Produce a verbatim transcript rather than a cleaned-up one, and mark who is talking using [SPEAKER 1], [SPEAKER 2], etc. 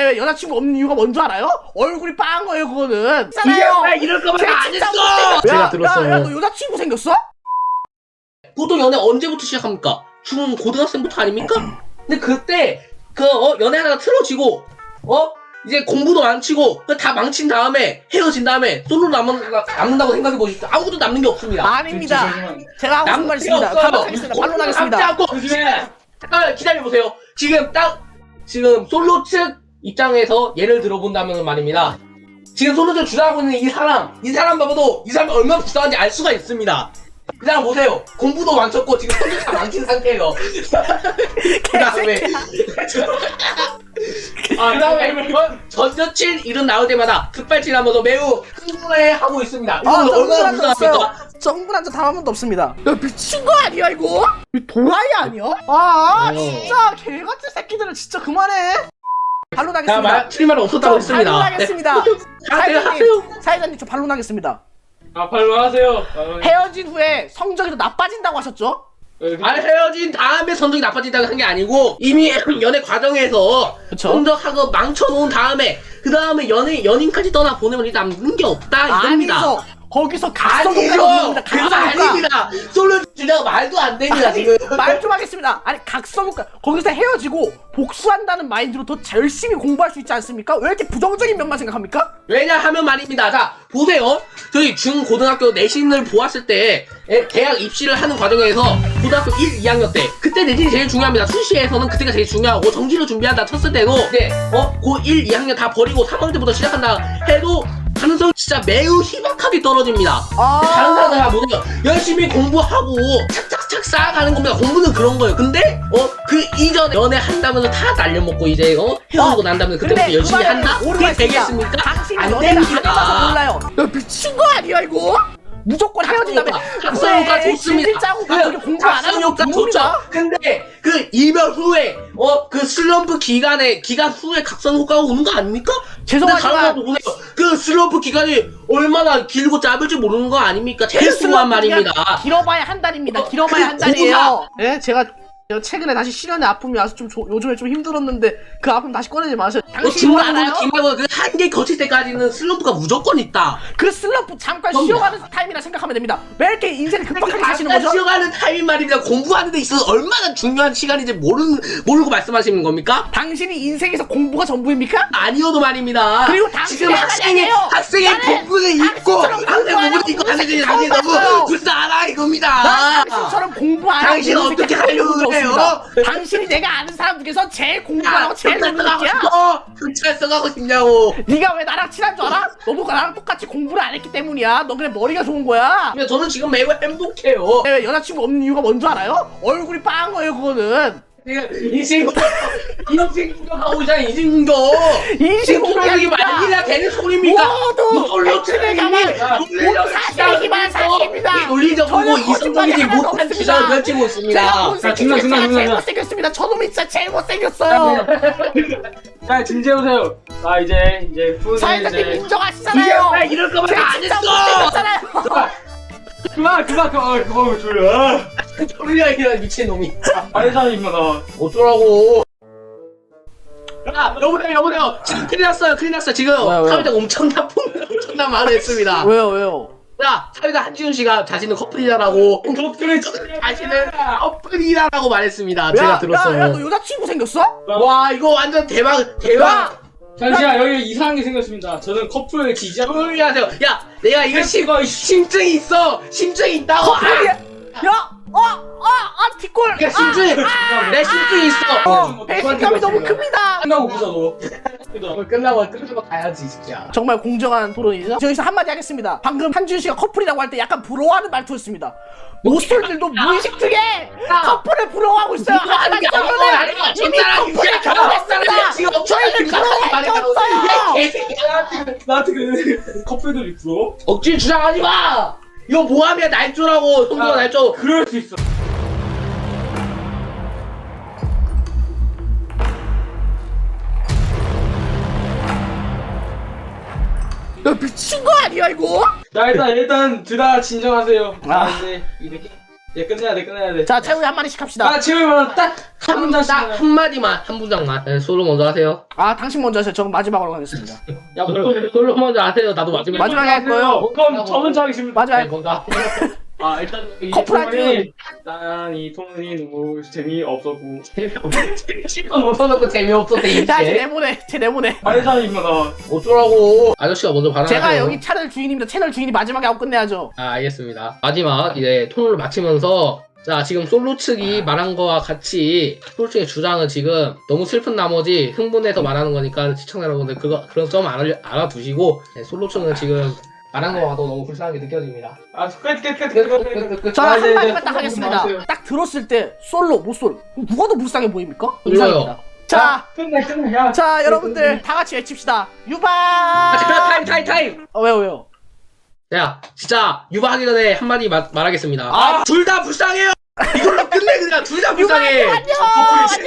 [SPEAKER 1] 왜 여자친구 없는 이유가 뭔 줄 알아요? 얼굴이 빵 거예요 그거는.
[SPEAKER 2] 이게 왜 이럴 거면 안 했어! 제가 들었어요.
[SPEAKER 1] 야, 야, 너 여자친구 생겼어?
[SPEAKER 2] 보통 연애 언제부터 시작합니까? 중 고등학생부터 아닙니까? 근데 그때 그 어, 연애 하다가 틀어지고 어 이제 공부도 망치고 다 망친 다음에 헤어진 다음에 솔로 남은, 남는다고 생각해 보십시오. 아무것도 남는 게 없습니다.
[SPEAKER 1] 아닙니다. 제가 하고 싶은 말
[SPEAKER 2] 남는 게
[SPEAKER 1] 있습니다.
[SPEAKER 2] 없어요.
[SPEAKER 1] 반론하겠습니다. 반론하겠습니다.
[SPEAKER 2] 남지 않고 잠깐 기다려 보세요. 지금 딱 지금 솔로 측 입장에서 예를 들어본다면 말입니다. 지금 솔로 측 주장하고 있는 이 사람, 이 사람 봐도 이 사람이 얼마나 불쌍한지 알 수가 있습니다. 그 사람 보세요. 공부도 망쳤고 지금 손도 다 망친 상태예요. 그 다음에 아, 그 다음에 전 여친 이름 나올 때마다 급발진하면서 매우 흥분해하고 있습니다.
[SPEAKER 1] 아,
[SPEAKER 2] 이거
[SPEAKER 1] 저
[SPEAKER 2] 얼마나
[SPEAKER 1] 흥분한 적 없어요.
[SPEAKER 2] 불쌍합니까?
[SPEAKER 1] 저 흥분한 적 단 한 번도 없습니다. 야, 미친 거 아니야 이거? 이 도라이 아니야? 아,
[SPEAKER 2] 어.
[SPEAKER 1] 진짜 개같은 새끼들은 진짜 그만해.
[SPEAKER 2] 자,
[SPEAKER 1] 반론하겠습니다.
[SPEAKER 2] 말, 틀린 말은 없었다고 했습니다.
[SPEAKER 1] 반론하겠습니다.
[SPEAKER 2] 네.
[SPEAKER 1] 사회자님, 사회자님 저 반론하겠습니다.
[SPEAKER 3] 아, 반론하세요.
[SPEAKER 1] 헤어진 후에 성적이 더 나빠진다고 하셨죠?
[SPEAKER 2] 아니 헤어진 다음에 성적이 나빠진다고 한 게 아니고 이미 연애 과정에서
[SPEAKER 1] 그쵸?
[SPEAKER 2] 성적하고 망쳐놓은 다음에 그 다음에 연애 연인까지 떠나 보내면 이제 남는 게 없다 이겁니다.
[SPEAKER 1] 아니죠. 거기서 각성효과가
[SPEAKER 2] 아니죠.
[SPEAKER 1] 없습니다.
[SPEAKER 2] 그거
[SPEAKER 1] 각성효과.
[SPEAKER 2] 아닙니다. 솔로 주제가 말도 안 됩니다
[SPEAKER 1] 아니,
[SPEAKER 2] 지금.
[SPEAKER 1] 말 좀 하겠습니다. 아니 각성효과 거기서 헤어지고 복수한다는 마인드로 더 열심히 공부할 수 있지 않습니까? 왜 이렇게 부정적인 면만 생각합니까?
[SPEAKER 2] 왜냐하면 말입니다. 자 보세요. 저희 중고등학교 내신을 보았을 때 에, 대학 입시를 하는 과정에서 고등학교 일, 이 학년 때 그때 내신이 제일 중요합니다. 수시에서는 그때가 제일 중요하고 정시를 준비한다 쳤을 때도 이제 어? 고 일, 이 학년 다 버리고 삼 학년 때부터 시작한다 해도 가능성이 진짜 매우 희박하게 떨어집니다.
[SPEAKER 1] 아.
[SPEAKER 2] 다른 사람들 다 보세요. 열심히 공부하고 착착착 쌓아가는 겁니다. 공부는 그런 거예요. 근데 어 그 이전에 연애한다면서 다 날려먹고 이제 어 헤어지고 난 다음에 그때부터 열심히 한다? 그게 되겠습니까?
[SPEAKER 1] 당신이
[SPEAKER 2] 안
[SPEAKER 1] 연애를 안 해봐서
[SPEAKER 2] 됩니다.
[SPEAKER 1] 몰라요. 야 미친 거 아니야 이거? 무조건 헤어진 다음에
[SPEAKER 2] 각성효과 좋습니다.
[SPEAKER 1] 질질 짜고 그렇게 공부 안 하는 거
[SPEAKER 2] 각성효과 좋죠. 근데 그 이별 후에 어 그 슬럼프 기간에 기간 후에 각성효과가 오는 거 아닙니까?
[SPEAKER 1] 죄송하지만
[SPEAKER 2] 근데 보세요. 그 슬럼프 기간이 얼마나 길고 짧을지 모르는 거 아닙니까? 제일
[SPEAKER 1] 그
[SPEAKER 2] 중요한
[SPEAKER 1] 슬럼프 기간
[SPEAKER 2] 말입니다.
[SPEAKER 1] 길어봐야 한 달입니다.
[SPEAKER 2] 어,
[SPEAKER 1] 길어봐야
[SPEAKER 2] 그
[SPEAKER 1] 한 달이에요. 예, 제가 최근에 다시 실연의 아픔이 와서 좀 조, 요즘에 좀 힘들었는데 그 아픔 다시 꺼내지 마세요.
[SPEAKER 2] 어,
[SPEAKER 1] 당신 뭘
[SPEAKER 2] 중간고나
[SPEAKER 1] 알아요?
[SPEAKER 2] 기말고 그 한계 거칠 때까지는 슬럼프가 무조건 있다.
[SPEAKER 1] 그 슬럼프 잠깐
[SPEAKER 2] 그럼요.
[SPEAKER 1] 쉬어가는 타임이라 생각하면 됩니다. 왜 이렇게 인생을 급박하게 사시는
[SPEAKER 2] 잠깐
[SPEAKER 1] 거죠?
[SPEAKER 2] 쉬어가는 타임 말입니다. 공부하는 데 있어서 얼마나 중요한 시간인지 모르는, 모르고 말씀하시는 겁니까?
[SPEAKER 1] 당신이 인생에서 공부가 전부입니까?
[SPEAKER 2] 아니어도 말입니다.
[SPEAKER 1] 그리고 당신이
[SPEAKER 2] 지금 학생의
[SPEAKER 1] 아니에요.
[SPEAKER 2] 학생의
[SPEAKER 1] 나는
[SPEAKER 2] 복부를 입고
[SPEAKER 1] 당신처럼
[SPEAKER 2] 학생
[SPEAKER 1] 공부 안
[SPEAKER 2] 복부를
[SPEAKER 1] 하고
[SPEAKER 2] 입고 하는 게
[SPEAKER 1] 처음
[SPEAKER 2] 당신 너무
[SPEAKER 1] 봤어요.
[SPEAKER 2] 불쌍하다 이겁니다.
[SPEAKER 1] 난 당신처럼 공부 안 하고
[SPEAKER 2] 당신
[SPEAKER 1] 노는
[SPEAKER 2] 어떻게
[SPEAKER 1] 새끼 한
[SPEAKER 2] 하려고
[SPEAKER 1] 명도
[SPEAKER 2] 그래요?
[SPEAKER 1] 없습니다. 당신이 내가 아는 사람 중에서 제일 공부 안 하고 제일 노는
[SPEAKER 2] 경찰서 가고
[SPEAKER 1] 새끼야.
[SPEAKER 2] 싶어. 경찰서 가고 싶냐고.
[SPEAKER 1] 네가 왜 나랑 친한 줄 알아? 너도 나랑 똑같이 공부를 안 했기 때문이야. 너 그냥 머리가 좋은 거야.
[SPEAKER 2] 근데 저는 지금 매우 행복해요.
[SPEAKER 1] 왜 여자친구 없는 이유가 뭔 줄 알아요? 얼굴이 빵 거예요 그거는.
[SPEAKER 2] 이 친구 이 친구가 나오잖아 이 친구.
[SPEAKER 1] 이
[SPEAKER 2] 지금
[SPEAKER 1] 친구가
[SPEAKER 2] 소리가 말이나 되는 소리입니까?
[SPEAKER 1] 모두
[SPEAKER 2] 놀려
[SPEAKER 1] 당신에게만 모두 사실이기만 사실입니다.
[SPEAKER 2] 논리적이고
[SPEAKER 1] 저는
[SPEAKER 2] 이성적이지
[SPEAKER 1] 거짓말이 하나도
[SPEAKER 2] 못한
[SPEAKER 1] 없습니다.
[SPEAKER 2] 주장을 펼치고
[SPEAKER 1] 제가
[SPEAKER 2] 있습니다.
[SPEAKER 1] 못생겼어요.
[SPEAKER 3] 중간, 중간,
[SPEAKER 1] 제가 제일
[SPEAKER 3] 중간.
[SPEAKER 1] 못생겼습니다. 저놈이 진짜 제일 못생겼어요.
[SPEAKER 3] 자, 진지해보세요. 아, 이제, 이제, 후는
[SPEAKER 1] 사회자님
[SPEAKER 3] 이제.
[SPEAKER 1] 인정하시잖아요.
[SPEAKER 2] 왜 이럴 거면
[SPEAKER 1] 제가
[SPEAKER 2] 안
[SPEAKER 1] 진짜
[SPEAKER 2] 했어?
[SPEAKER 1] 못생겼잖아요.
[SPEAKER 3] 그만, 그만, 그만, 그만, 졸려.
[SPEAKER 2] 졸려 이런 미친놈이.
[SPEAKER 3] 아니, 사람이구나, 나.
[SPEAKER 2] 어쩌라고. 야 여보세요 여보세요 지금 큰일 났어요 큰일 났어요 지금
[SPEAKER 1] 왜요, 왜요?
[SPEAKER 2] 사회자가 엄청난 폭 엄청난 말을 했습니다.
[SPEAKER 1] 왜요 왜요?
[SPEAKER 2] 자 사회자 한지훈 씨가 자신은 커플이다라고
[SPEAKER 3] 커플이
[SPEAKER 2] 자신은 커플이다라고 말했습니다.
[SPEAKER 1] 야,
[SPEAKER 2] 제가
[SPEAKER 1] 야, 야,
[SPEAKER 2] 들었어요.
[SPEAKER 1] 너 여자친구 생겼어?
[SPEAKER 2] 와 이거 완전 대박 대박.
[SPEAKER 3] 잠시만, 여기 이상한 게 생겼습니다. 저는 커플을 지지하고.
[SPEAKER 2] 조용히 하세요. 야 내가 이거 심, 심증이 있어 심증이 있다고. 아,
[SPEAKER 1] 야, 야, 어, 어, 아, 뒷골.
[SPEAKER 2] 야 심증이 내 심증이 있어.
[SPEAKER 1] 어, 배신감이 너무 큽니다.
[SPEAKER 3] 한다고 보자, 너.
[SPEAKER 2] 어, 끝나고 끝나고 가야지 진짜.
[SPEAKER 1] 정말 공정한 토론이죠. 저기서 한마디 하겠습니다. 방금 한준 씨가 커플이라고 할 때 약간 부러워하는 말투였습니다. 모쏠들도 무의식 중에 커플을 부러워하고 있어요. 하지만 저는 이미 커플을 경험했습니다. 저희는 그런 게 없어요.
[SPEAKER 2] 개새끼야.
[SPEAKER 3] 나한테 그래. 커플들이 부러워?
[SPEAKER 2] 억지 주장하지 마. 이거 모함이야 날조라고 성도가
[SPEAKER 3] 아,
[SPEAKER 2] 날조.
[SPEAKER 3] 그럴 수 있어.
[SPEAKER 1] 야, 미친 거 아니야 이거?
[SPEAKER 3] 자, 일단, 일단, 둘 다 진정하세요.
[SPEAKER 1] 아.
[SPEAKER 3] 아, 이제, 이제, 예, 끝내야 돼, 끝내야 돼.
[SPEAKER 1] 자, 채우이 한 마디씩 합시다.
[SPEAKER 3] 아, 지금 딱한 문장씩.
[SPEAKER 2] 딱 한마디만 한 문장만 네, 솔로 먼저 하세요.
[SPEAKER 1] 아, 당신 먼저 하세요. 저는 마지막으로 하겠습니다.
[SPEAKER 3] 야,
[SPEAKER 2] 솔로, 솔로 먼저 하세요. 나도 마지막에
[SPEAKER 1] 마지막에 할 거예요.
[SPEAKER 3] 그럼 저 먼저 하겠습니다.
[SPEAKER 1] 마지막.
[SPEAKER 2] 네, 먼저 하세요.
[SPEAKER 3] 아, 일단 이
[SPEAKER 1] 커플
[SPEAKER 3] 토론이 난이 토론이 너무 재미없었고
[SPEAKER 2] 실컷 못 써놓고 재미없어
[SPEAKER 1] 야, 쟤
[SPEAKER 2] 대입체.
[SPEAKER 1] 내보내. 쟤 내보내.
[SPEAKER 3] 발사입니다.
[SPEAKER 2] 어쩌라고. 아저씨가 먼저 발언하세요.
[SPEAKER 1] 제가 여기 채널 주인입니다. 채널 주인이 마지막에 하고 끝내야죠.
[SPEAKER 2] 아, 알겠습니다. 마지막 이제 토론을 마치면서 자, 지금 솔로 측이 말한 거와 같이 솔로 측의 주장은 지금 너무 슬픈 나머지 흥분해서 말하는 거니까 시청자 여러분들 그거 그런 점 알아, 알아두시고 네, 솔로 측은 지금 말한 거가 더 너무 불쌍하게 느껴집니다.
[SPEAKER 3] 아, 끝, 끝, 끝, 끝, 끝, 끝, 끝, 끝.
[SPEAKER 1] 저는
[SPEAKER 3] 아, 이제,
[SPEAKER 1] 한마디만
[SPEAKER 3] 이제
[SPEAKER 1] 딱
[SPEAKER 3] 토론
[SPEAKER 1] 하겠습니다.
[SPEAKER 3] 그만하세요.
[SPEAKER 1] 딱 들었을 때 솔로 못 솔 누가 더 불쌍해 보입니까?
[SPEAKER 2] 몰라요.
[SPEAKER 1] 이상입니다. 자,
[SPEAKER 3] 끝내, 끝내. 야,
[SPEAKER 1] 자 여러분들 다 같이 외칩시다. 유바.
[SPEAKER 2] 아, 잠깐 타임 타임 타임.
[SPEAKER 1] 어, 왜요 왜요?
[SPEAKER 2] 자, 진짜 유바하기 전에 한마디 마, 말하겠습니다.
[SPEAKER 1] 아.
[SPEAKER 2] 둘 다 불쌍해요. 이걸로 끝내 그냥 둘 다
[SPEAKER 1] 유바
[SPEAKER 2] 불쌍해.
[SPEAKER 1] 안녕.
[SPEAKER 3] 커플이